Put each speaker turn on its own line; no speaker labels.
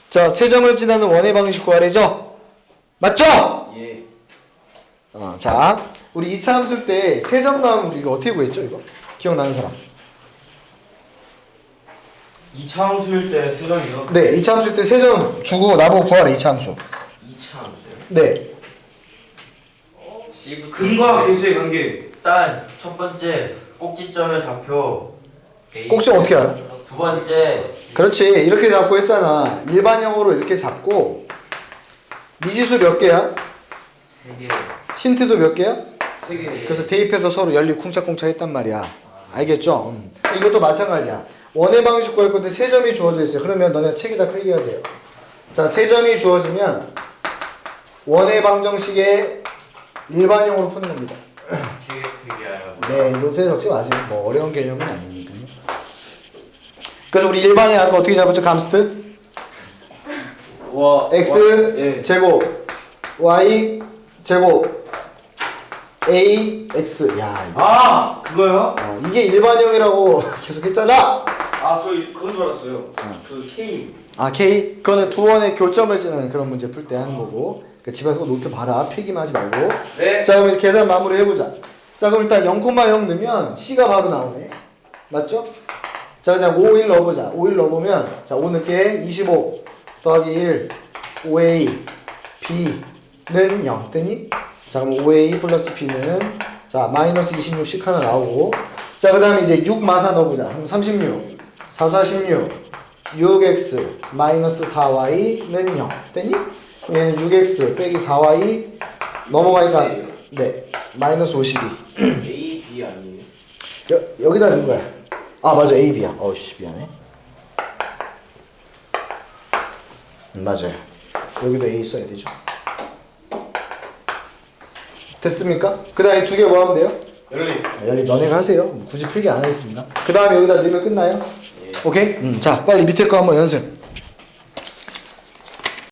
자, 세 점을 지나는 원의 방식 구하래죠? 맞죠?
예.
자, 우리 2차 함수 때 세 점 나오면 우리 이거 어떻게 구했죠? 이거? 기억나는 사람?
2차 함수일 때 세점이요?
네, 2차 함수 때 세 점 주고 나보고 구하래, 2차 함수.
2차 함수요?
네.
근과 계수의 관계.
일단 첫 번째 꼭지점의 좌표,
꼭지 어떻게 알아?
두 번째
그렇지, 이렇게 잡고 했잖아. 일반형으로 이렇게 잡고 미지수 몇 개야?
3개.
힌트도 몇 개야?
3개.
그래서 대입해서 서로 연립 쿵짝쿵짝 했단 말이야. 알겠죠? 이것도 마찬가지야. 원의 방식 구할 건데 세 점이 주어져 있어요. 그러면 너네 책에다 필기하세요. 자, 세 점이 주어지면 원의 방정식의 일반형으로 푸는 겁니다.
책에 필기하라고.
네, 노트에 적지 마세요. 뭐 어려운 개념은 아니니까요. 그래서 우리 일반형 아까 어떻게 잡았죠? 감스트?
와.
x
예.
제곱 y 제곱 ax. 야, 이거.
그거요?
이게 일반형이라고 계속 했잖아.
저 그건 줄 알았어요. 그 K.
K? 그거는 두 원의 교점을 지는 그런 문제 풀 때 하는 거고. 그러니까 집에서 노트 봐라. 필기만 하지 말고.
네.
자, 그럼 이제 계산 마무리 해보자. 자, 그럼 일단 0,0 넣으면 C가 바로 나오네. 맞죠? 자, 그냥 5, 1 넣어보자. 5, 1 넣어보면, 자, 5 넣게 25 더하기 1, 5A, B는 0. 됐니? 자, 그럼 5A 플러스 B는, 자, 마이너스 26씩 하나 나오고. 자, 그 다음에 이제 6 마사 넣어보자. 그럼 36, 4, 46, 6X 마이너스 4Y는 0. 됐니? 그럼 얘는 6X 빼기 4Y 넘어가니까, 네, 마이너스 52.
A, B 아니에요?
여기다 넣은 거야. 맞아, A, B야. 어우씨, 미안해. 맞아요. 여기도 A 써야 되죠. 됐습니까? 그 다음에 두 개 뭐 하면 돼요?
연립.
연립 너네가 하세요. 굳이 필기 안 하겠습니다. 그 다음에 여기다 넣으면 끝나요? 오케이? 자, 빨리 밑에 거 한번 연습.